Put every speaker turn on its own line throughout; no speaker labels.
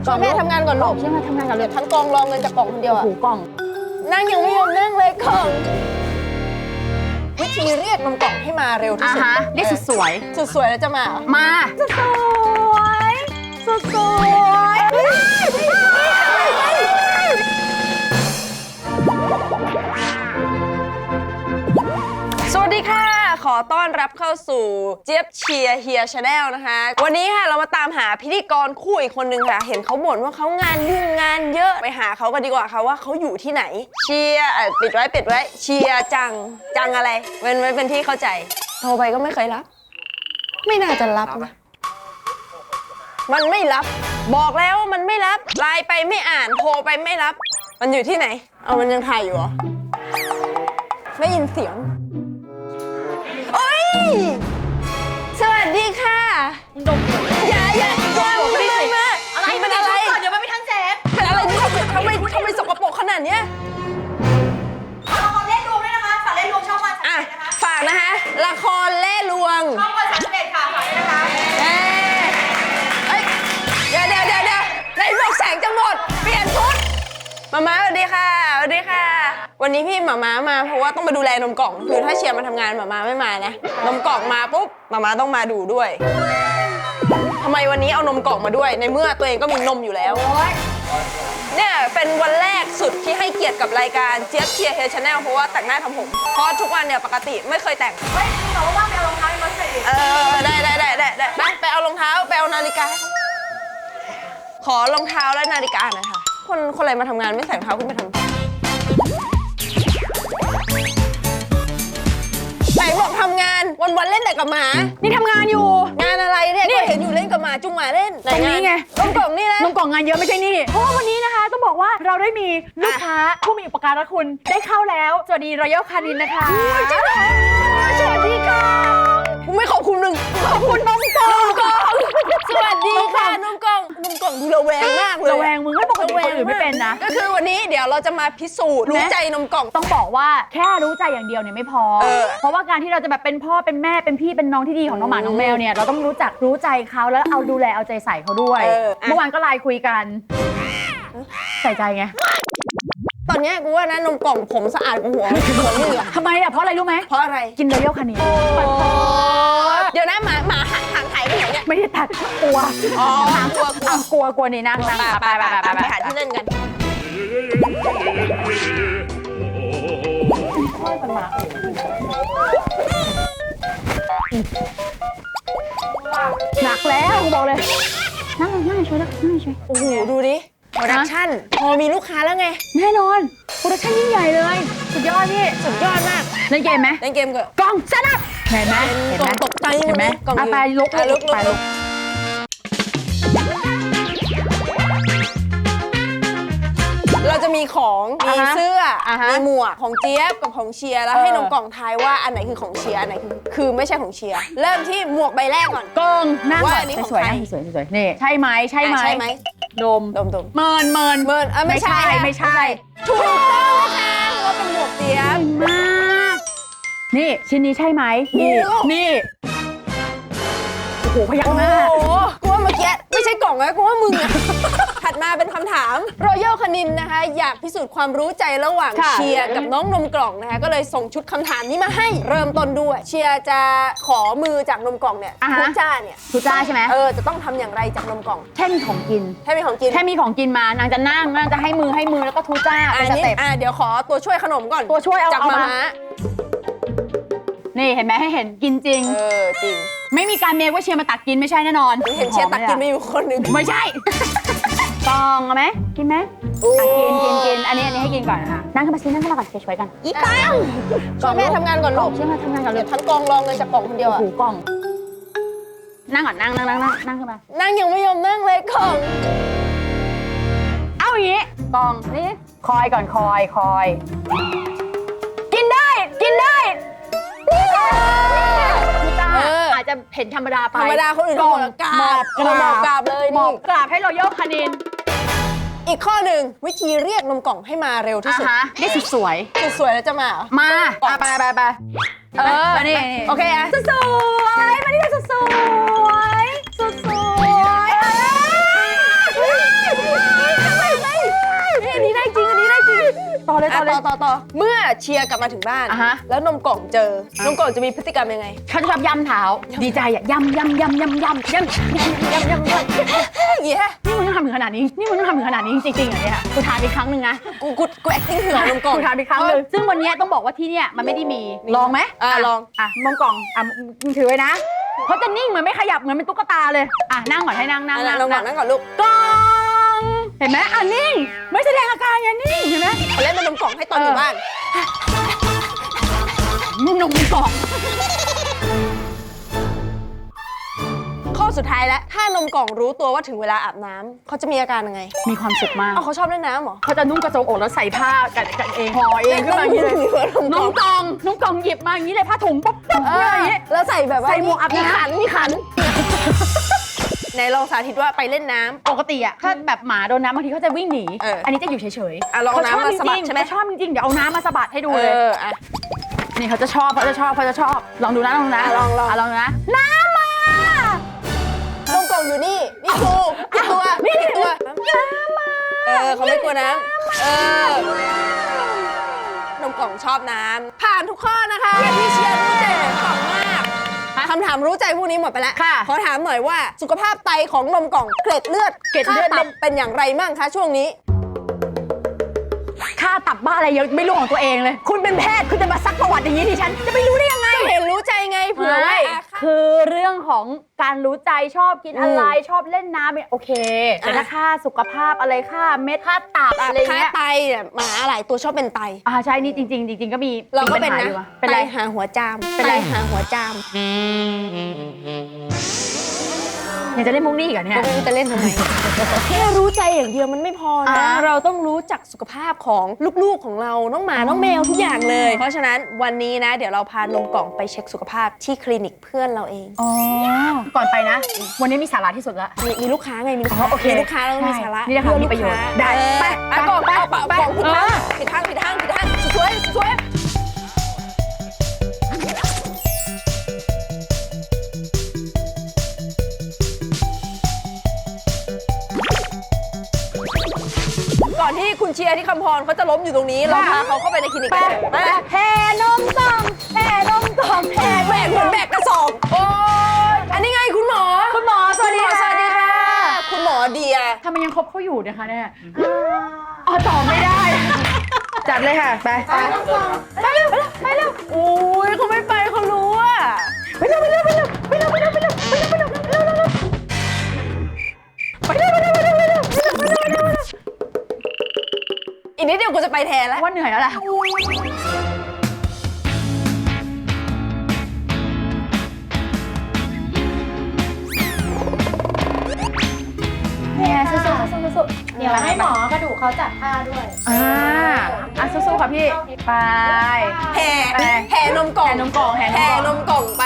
ช่วยแม่ทำงานก่อนลูก
ช่วยแม่ทำงานก่อนเลย
ทั้งกองรองเงินจากกล่องคนเดียวอะ
หูกล่อง
นั่งยังไม่ยอมนั่งเลยกล่องวิธีเรียกนมกล่องให้มาเร็วที่สุด
เรียกสุดสวย
สุดสวยแล้วจะมาเหรอ
มาสุดสวยสุดสวย
สวัสดีค่ะขอต้อนรับเข้าสู่เจี๊ยบเชียร์เฮียชาแนลนะคะวันนี้ค่ะเรามาตามหาพิธีกรคู่อีกคนนึงค่ะเห็นเขาบ่นว่าเขางานยุ่งงานเยอะไปหาเขากันดีกว่าค่ะว่าเขาอยู่ที่ไหนเชียร์ปิดไว้เชียร์จังอะไรเป็นที่เข้าใจโทรไปก็ไม่เคยรับไม่น่าจะรับนะมันไม่รับบอกแล้วว่ามันไม่รับไลน์ไปไม่อ่านโทรไปไม่รับมันอยู่ที่ไหนเอามันยังถ่ายอยู่เหรอไม่ยินเสียงโอ้ยสวัสดีค่ะอย่าไม่ได้มาอะไรมันอะไร
เดี๋ยวมันไม่ทั้งแสบ
เป็นอะไรนี่ทำไมสกปรกขนาดเนี้ย
ละครเล่รวมด้วยนะคะฝากเล่รวมช่องวัน
อ่ะฝากนะคะละครเล่ลวง
ช่องวัน31ค่ะฝากด้วยนะคะ
เดี๋ยวในบอกแสงจะหมดเปลี่ยนชุดมาสวัสดีค่ะสวัสดีค่ะวันนี้พี่มาเพราะว่าต้องมาดูแลนมกล่องคือถ้าเชียร์มาทำงานมาไม่มานะนมกล่องมาปุ๊บมาต้องมาดูด้วยทำไมวันนี้เอานมกล่องมาด้วยในเมื่อตัวเองก็มีนมอยู่แล้วเนี่ยเป็นวันแรกสุดที่ให้เกียรติกับรายการเจี๊ยบเชียร์เฮชแนลเพราะว่าแต่งหน้าทำผมเพราะทุกวันเนี่ยปกติไม่เคยแต่ง
เฮ้ยแต่ว่าไปเอารองเท้ามาใส่
ได้ไปเอารองเท้าไปเอานาฬิกาขอรองเท้าและนาฬิกาหน่อยค่ะคนอะไรมาทำงานไม่ใส่รองเท้าขึ้นไปทำไหนบอกทำงานวันเล่นแต่กับหมา
นี่ทำงานอยู่
งานอะไรเนี่ยก็เห็นอยู่เล่นกับหมาจุงหมาเล่น
ตรงนี้ไง
นมกล่องนี่นะ
นมกล่องงานเยอะไม่ใช่นี่เพราะว่าวันนี้นะคะต้องบอกว่าเราได้มีลูกค้าผู้มีอุปการะคุณได้เข้าแล้วสวัสดีรอยัลคานินนะคะสวัสดีค่ะ
ไม่ขอบคุณมึงขอบคุณนมกล่องสวัสดีค่ะนมกล่องดูระแวงมากเลย
ระแวงมึงไม่ปกติคนอื่นไม่เป็นนะ
ก็คือวันนี้เดี๋ยวเราจะมาพิสูจน์รู้ใจนมกล่อง
ต้องบอกว่าแค่รู้ใจอย่างเดียวเนี่ยไม่พอเพราะว่าการที่เราจะแบบเป็นพ่อเป็นแม่เป็นพี่เป็นน้องที่ดีของน้องหมาน้องแมวเนี่ยเราต้องรู้ใจเขาแล้วเอาดูแลเอาใจใส่เขาด้วยเมื่อวานก็ไลน์คุยกันใส่ใจไง
ตอนนี้กูว่านะนมกล่องผมสะอาดกว่าหัวมึงอะ
ทำไมอะเพราะอะไรรู้ไหม
เพราะอะไร
กินรอยัลคานิน
เดี๋ยวนะหมาห่างหายไปไหนเนี่ย
ไม่ได้ตัดกลัวกลัวนี่นั่ง
ไปหาที่เล่นกัน
หนักแล้วบอกเลยนั่งช่วย
โอ้โหดูดิโปรดักชั่นพอมีลูกค้าแล้วไง
แน่นอนโปรดักชั่นยิ่งใหญ่เลยสุดยอดพี่
สุดยอดมาก
เล่นเกมไหม
เล่นเกมก็
กล่องเซตอัพเห็นไหม
กล่องตกใจ
เห็นไหม
กล่อง
ไปลุก
เราจะมีของมีเสื้อมีหมวกของเจี๊ยบกับของเชียร์แล้วให้นมกล่องทายว่าอันไหนคือของเชียร์อันไหนคือไม่ใช่ของเชียร์เริ่มที่หมวกใบแรกก่อน
กองนั่งก่อนสวยนี่ใช่ไหมดมเมินไม่ใช่
ถูกต้องค่ะว่าเป็นหมวกเจี๊ยบ
มากนี่ชิ้นนี้ใช่ไหมนี่โอ้โหพยักหน้า
กูว่าเมื่อกี้ไม่ใช่กล่องนะกูว่ามึงอะถัดมาเป็นคำถามรอยัลคานินนะคะอยากพิสูจน์ความรู้ใจระหว่างเชียร์กับน้องนมกล่องนะคะก็เลยส่งชุดคำถามนี้มาให้เริ่มต้นด้วยเชียร์จะขอมือจากนมกล่องเนี่ยทุจ้าเนี่ย
ทุจ้าใช่ไหม
จะต้องทำอย่างไรจากนมกล่อง
แค่มีของกินแค่มีของกินมานางจะนั่งนางจะให้มือแล้วก็ทุจ้าเป็นสเต็ป
เดี๋ยวขอตัวช่วยขนมก่อน
ตัวช่วยเอา
จากมา
นี่เห็นไหมให้เห็นกินจริง
จริง
ไม่มีการเมคว่าเชียร์มาตักกินไม่ใช่แน่นอน
เห็นเชียร์ตักกินไม่อยู่คนหนึ่ง
ไม่ใช่กองเอาไหมกินไหมกินอันนี้ให้กินก่อนค่ะนั่งขึ้นมาก่อนช่วยกัน
อีตังช่วยแม่ทำงานก่อนลูก
ช่วยแม่ทำงานก่อนเลย
ทั้งกองรองเงินจากกล่องคนเดียวอะ
หูกล่องนั่งก่อนนั่งขึ้นมา
นั่งยังไม่ยอมนั่งเลยกล่อง
เอาอย่างนี้กล่องนี่คอยก่อนคอยกินได้อาจจะเห็นธรรมดาไป
ธรรมดาคนอื่นหมอบกราบเลย
หมอบกราบให้รอยัลคานิน
อีกข้อหนึ่งวิธีเรียกนมกล่องให้มาเร็วที่สุด
เรียกสุดสวย
แล้วจะมา
ไปนี่
โอเคอะ
สุดสวยมาดิสุดสวย
ต่อเมื่อเชียร์กลับมาถึงบ้าน
อ่ะฮะ
แล้วนมกล่องเจอนมกล่องจะมีพฤติกรรมยังไง
เขาจะชอบย่ำเท้าดีใจอ่ะย่ำอย่างเงี้ย
นี่มึง
ต้องทำถึงขนาดนี้นี่มึงต้องทำถึงขนาดนี้จริงๆเหรอเนี่ยกูทานไปครั้งหนึ่งนะ
กู acting ถึงนมกล่อง
กูทานไปครั้งหนึ่งซึ่งวันนี้ต้องบอกว่าที่เนี่ยมันไม่ได้มีลองไหม
ลอง
มองกล่องมึงถือไว้นะเขาจะนิ่งเหมือนไม่ขยับเหมือนเป็นตุ๊กตาเลยนั่งก่อนให้นั่ง
นั่งก่อนลูก
กล่องเห็นไหมนิ่งไม่แสดงอาการไงนิ่งเห็นไหม
เขาเล่นเป็นนมกล่องให้ตอนอยู่บ้าน
นมกล่อง
ข้อสุดท้ายแล้วถ้านมกล่องรู้ตัวว่าถึงเวลาอาบน้ำเขาจะมีอาการยังไง
มีความสุขมาก
เขาชอบเล่นน้ำเหรอ
เขาจะนุ่งกระโจมอกแล้วใส่ผ้ากันเองห่อเองขึ้นมาอย่างนี้เลยน้องกล่องหยิบมาอย่างนี้เลยผ้าถุงปุ๊บอย่างนี้
แล้วใส่แบบว่า
ใส่หมวกอาบน้ำ
มีขันไหนลองสาธิตว่าไปเล่นน้ำ
ปกติอ่ะถ้าแบบหมาโดนน้ำบางทีเขาจะวิ่งหนี อันนี้จะอยู่เฉยๆ
ลองน้ำมาสะบัดใช่ไหม
ชอบจริงๆเดี๋ยวเอาน้ำมาสะบัดให้ดูเลยนี่เขาจะชอบลองดูนะลองนะน้ำมาน
มกล่องอยู่นี่กูกี่ตัวกี่ตัวน้ำมาเขาไม่กลัวน้ำนมกล่องชอบน้ำผ่านทุกข้อนะคะพี่เชียร์รู้ใจกล่องมากคำถามรู้ใจพวกนี้หมดไปแล้วขอถามหน่อยว่าสุขภาพไตของนมกล่องเกล็ดเลือดตับเป็นอย่างไรบ้างคะช่วงนี้
ค่าตับบ้าอะไรยังไม่รู้ของตัวเองเลยคุณเป็นแพทย์คุณจะมาซักประวัติอย่างนี้ดิฉันจะไม่รู้ได้ยังไง
เห็นรู้ใจไงเผื่อไว้
คือเรื่องของการรู้ใจชอบกินอะไรชอบเล่นน้ำโอเคแต่ถ้าค่าสุขภาพอะไรค่าเม็ดค่าตับอะไรเงี้ย
ค่าไตหมาหลายตัวชอบเป็นไต
ใช่นี่จริงก็มี
เราก็เป็นนะ
เป็นไร
หาหัวจามเป็นไรหาหัวจาม
ยังจะเล่นมุกนี่อีกเหรอเนี่ย
จะเล่นทำไมแค่รู้ใจอย่างเดียวมันไม่พอนะเราต้องรู้จักสุขภาพของลูกๆของเราน้องหมาน้องแมวทุกอย่างเลยเพราะฉะนั้นวันนี้นะเดี๋ยวเราพานมกล่องไปเช็คสุขภาพที่คลินิกเพื่อนเราเอง
ก่อนไปนะวันนี้มีสาระที่สุดละ
มีลูกค้าไงมีลูกค้ามีลูกค้าแล้วมีสาระ
นี่นะคะมีประโยชน์ได้
ไปกล่องผิดทางสวยก่อนที่คุณเชียร์ที่คำพรเขาจะล้มอยู่ตรงนี้เราพาเขาเข้าไปในคลินิกกัน
แห่นมกล่องแบก
เหมือนแบกกระสอบโอ้ยอันนี้ไงคุณหมอสวัสดีค่ะคุณหมอเดีย
ทำไมยังคบเขาอยู่นะคะเนี่ยตอบไม่ได้จัดเลยค่ะไปเร็ว
โอ้ยเขาไม่ไปเขารู้อะ
ไปเร็ว
อีกนิดเดียวกูจะไปแทนแล้ว
ว่าเหนื่อยแล้วล่ะสู้
เดี๋ยวให้หมอกระดูกเขาจัดท่าด้วย
สู้ค่ะพี่ไป
แห่นมกล่องไป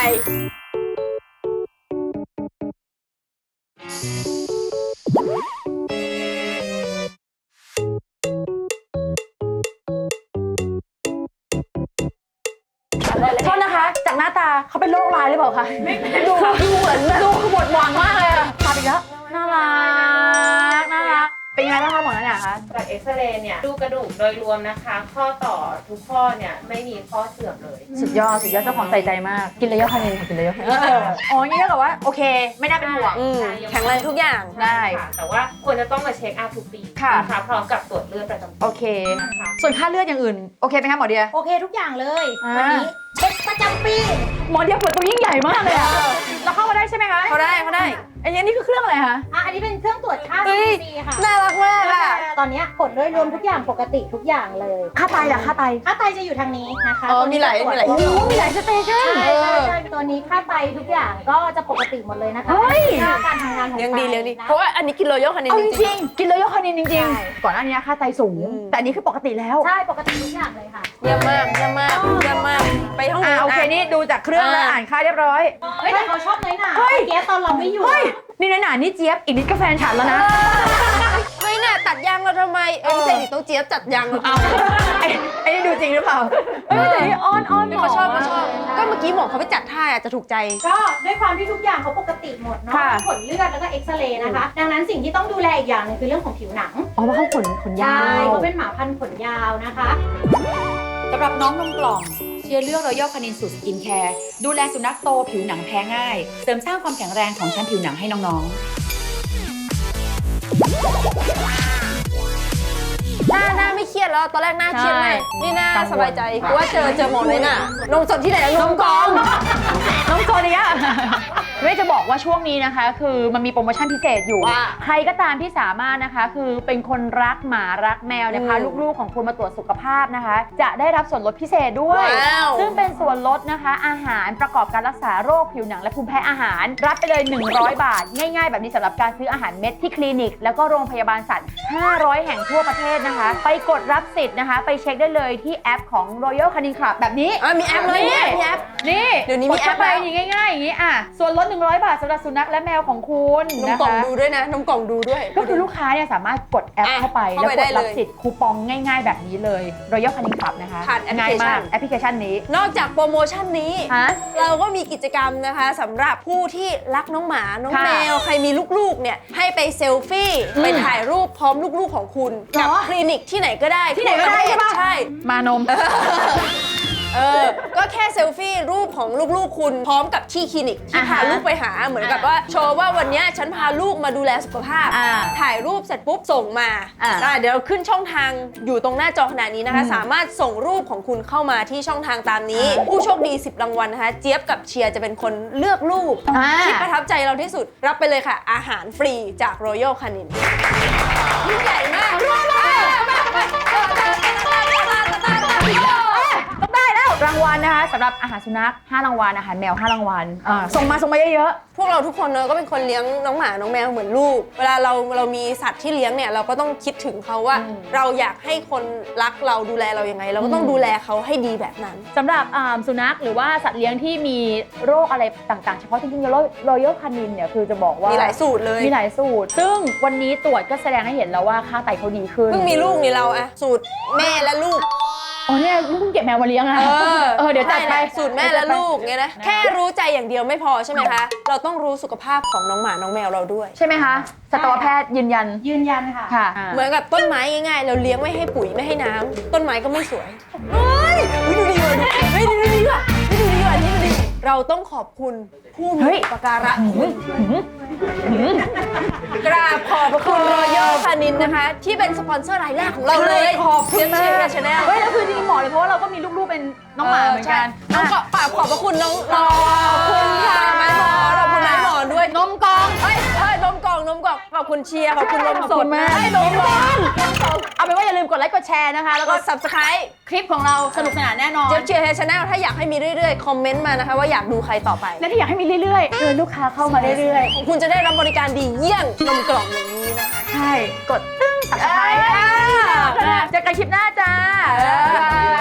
โทษนะคะจากหน้าตาเขาเป็นโรคร้ายหรือเปล่าคะดูเหมือนดูหมดหวังมากเลยอะพาไปแล้วน่ารักเป็นยังไงบ้างคะหมอเนี่ยคะ
จากเอ็กซเรย์เนี่ยดูกระดูกโดยรวมนะคะข้อต่อทุกข้อเนี่ยไม่มีข้อเสื่อมเลย
สุดยอดเจ้าของใส่ใจมากกินเลยคาเนนกินเลยนี่ก็แบบว่าโอเคไม่น่าเป็นห่วง
แข็งแรงทุกอย่าง
ได้
แต่ว่าควรจะต้องมาเช็คอัพทุกปีนะคะพร้อมกับตรวจเลือดประจำปี
โอเคส่วนค่าเลือดอย่างอื่นโอเคไหมคะหมอเดีย
โอเคทุกอย่างเลยวันนี้เช็คประจำปี
หมอเดียเปิดตัวยิ่งใหญ่มากเลยอะเราเข้ามาได้ใช่ไหมคะ
เขาได้
อันนี้คือเครื่องอะไรคะ
อันนี้เป็นเครื่องตรวจค่า CBC ค่ะ
น่ารักมากค่ะ
ตอนนี้ผลโดยรวมทุกอย่างปกติทุกอย่างเลย
ค่าไตล่ะค่าไต
จะอยู่ทางนี้นะคะ
มีหลาย
สเตชัน
ใช่ตัวนี้ค่าไตทุกอย่างก็จะปกติหมดเลยนะคะการทำงานของ
เลี้ยงดีเพราะว่าอันนี้กินโรยัลคานิน
จริงกินโรยัลคานินจริงก่อนหน้านี้ค่าไตสูงแต่อันนี้คือปกติแล้ว
ใช่ปกติทุกอย่างเลยค่ะ
เยี่ยมมากไปห้อง
โอเคนี่ดูจากเครื่องแล้วอ่านค่าเรียบร้อย
แต่เขาชอบน้อยหนาเกี๊ยวตอนเราไม่อยู่
นี่น้อยหนานี่เจี๊ยบอีกนิดก็แฟนฉันแล้วนะ
ไม่น่ะตัดยางเราทำไมไม่ใช่ต้องเจี๊ยบจัดยางเรา
ไอ้นี่ดูจริงหรือเปล่าแต่นี่อ้อน
เขาชอบก็เมื่อกี้หมอเขาไปจัดท่าจะถูกใจ
ก็ด้วยความที่ทุกอย่างเขาปกติหมดเนาะผลเลือดแล้วก็เอ็กซเรย์นะคะดังนั้นสิ่งที่ต้องดูแลอีกอย่างนึงคือเรื่องของผิวหนัง
เพราะเขาขนยาว
เขาเป็นหมาพันธุ์ขนยาวนะคะ
สำหรับน้องนมกล่องเชียร์เลือกรอยัลคานินสูตรสกินแคร์ดูแลสุนัขโตผิวหนังแพ้ง่ายเสริมสร้างความแข็งแรงของชั้นผิวหนังให้น้องๆ
หน้าไม่เครียดแล้วตอนแรกหน้าเครียดไหมนี่หน้าสบายใจกูว่าเจอหมดเลยน่ะนมสดที่ไหนนมกล่อง
น้องโซเนียไม่จะบอกว่าช่วงนี้นะคะ คือมันมีโปรโมชั่นพิเศษอยู่
ว่า
ใครก็ตามที่สามารถนะคะ คือเป็นคนรักหมารักแมวนะคะลูกๆของคุณมาตรวจสุขภาพนะคะ จะได้รับส่วนลดพิเศษด้วย
ว้าว
ซึ่งเป็นส่วนลดนะคะ อาหารประกอบการรักษาโรคผิวหนังและภูมิแพ้อาหาร รับไปเลย 100 บาท ง่ายๆ แบบนี้สำหรับการซื้ออาหารเม็ดที่คลินิก แล้วก็โรงพยาบาลสัตว์ 500 แห่งทั่วประเทศนะคะ ไปกดรับสิทธิ์นะคะ ไปเช็คได้เลยที่แอปของ Royal Canin Club แบบนี้
มีแอปเลยเนี่ยมีแอป
นี่
เดี๋ยวนี้มีแอป
กดเข้าไป
แล้ว
นี่ง่ายๆอย่างนี้อ่ะส่วนลด 100 บาทสำหรับสุนัขและแมวของคุณ
นม
นะ
กล่อง
คะ
ดูด้วยนะนมกล่องดูด้วย
ก็คือลูกค้าเนี่ยสามารถกดแอปเข้าไป
เข้า
แล้ว
ไป
ก
ได้
ด
เลย
รับสิทธิ์คูปองง่ายๆแบบนี้เลย Royal Canin Club นะคะ
ผ่านแอปพลิเคชัน
ง่ายมากแอปพลิเคชันนี้
นอกจากโปรโมชั่นนี้
ฮะ
เราก็มีกิจกรรมนะคะสำหรับผู้ที่รักน้องหมา น้อง
ค่ะ
แมว ใครมีลูกๆเนี่ยให้ไปเซลฟี่ ไปถ่ายรูปพร้อมลูกๆของคุณ กับ
เหรอ
คลินิกที่ไหนก็ได้
ที่ไหนก็ได้ใช่ปะ
ใช่
มานม
ก็แค่เซลฟี่รูปของลูกๆคุณพร้อมกับที่คลินิกที่
อ่า
พา
ฮะ
ลูกไปหาเหมือนกับว่าโชว์ว่าวันเนี้ยฉันพาลูกมาดูแลสุขภาพ
อ่า
ถ่ายรูปเสร็จปุ๊บส่งมา
อ่า
เดี๋ยวขึ้นช่องทางอยู่ตรงหน้าจอขนาดนี้นะคะ สามารถส่งรูปของคุณเข้ามาที่ช่องทางตามนี้ ผู้โชคดี 10 รางวัลนะคะ เจี๊ยบกับเชียร์จะเป็นคนเลือกรูป
อ่า
ที่ประทับใจเราที่สุดรับไปเลยค่ะ อาหารฟรีจาก Royal Canin ยิ่งใหญ่มาก
ต้องได้แล้วรางวัลนะคะสำหรับอาหารสุนัข5รางวัลอาหารแมว5รางวัลส่งมาเยอะ
พวกเราทุกคนเนอะก็เป็นคนเลี้ยงน้องหมา น้องแมวเหมือนลูก เวลาเรามีสัตว์ที่เลี้ยงเนี่ยเราก็ต้องคิดถึงเขาว่า เราอยากให้คนรักเราดูแลเรายังไง เราก็ต้องดูแลเขาให้ดีแบบนั้น
ๆสำหรับสุนัขหรือว่าสัตว์เลี้ยงที่มีโรคอะไรต่างๆ เฉพาะจริงๆRoyal Canin เนี่ยคือจะบอกว่า
มี
มี
หลายสูตรเลย
มีหลายสูตร ซึ่งวันนี้ตรวจก็แสดงให้เห็นแล้วว่าค่าไตเขาดีขึ้น
เพิ่งมีลูกนี่เราอะสูตรแม่และลูก
อ๋อเนี่ยเพิ่งเก็บแมวมาเลี้ยงอะเดี๋ยวจัดไป
ใช่แหละสูตรแม่และลูกไงนะแค่รู้ใจอย่างเดียวไม่พอใช่ไหมคะ เราต้องรู้สุขภาพของน้องหมาน้องแมวเราด้วย
ใช่ไหมคะสัตวแพทย์ยืนยัน
ยืนยันค่ะ
ค่ะ
เหมือนกับต้นไม้ง่ายๆ เราเลี้ยงไม่ให้ปุ๋ยไม่ให้น้ำต้นไม้ก็ไม่สวยเฮ้ยดูดีว่ะดูดีว่ะดูดีว่ะนี่ดูดีเราต้องขอบคุณผู้มีอุปการะคุณกราบขอบพระคุณRoyal Caninนะคะ ที่เป็นสปอนเซอร์รายแรกของเราเลย
ขอบคุณมาก
เชียร์ชาแนล
เฮ้ยแล้วคือจริงๆบอกเลยเพราะว่าเราก็มีลูกๆเป็นน้องหมาเหมือนกัน
น้องปากขอบพระคุณน้องขอบคุณค่ะไม้หมอนขอบคุณไม้หมอนด้วย
นมกอง
เฮ้ยนมกล่องขอบคุณเชียร์ขอบคุณนมสด
ขอบคุณมาก
นมกล่อง
เอาเป็นว่าอย่าลืมกดไลค์กดแชร์นะคะ แล้ว
ก
ก็
ด subscribe
คลิปของเราสนุกสนานแน่นอน
เจี๊ยบเชียร์ชาแนลถ้าอยากให้มีเรื่อยๆ คอมเมนต์มานะคะว่าอยากดูใครต่อไป
และที่อยากให้มีเรื่อยๆลูกค้าเข้ามาเรื่อย
คุณจะได้รับบริการดีเยี่ยงนมกล่องอย่างนี้นะคะ
ๆ ใช่ กดตึ้งสับสไครต์เจอกันคลิปหน้าจ้า
บ๊ายบาย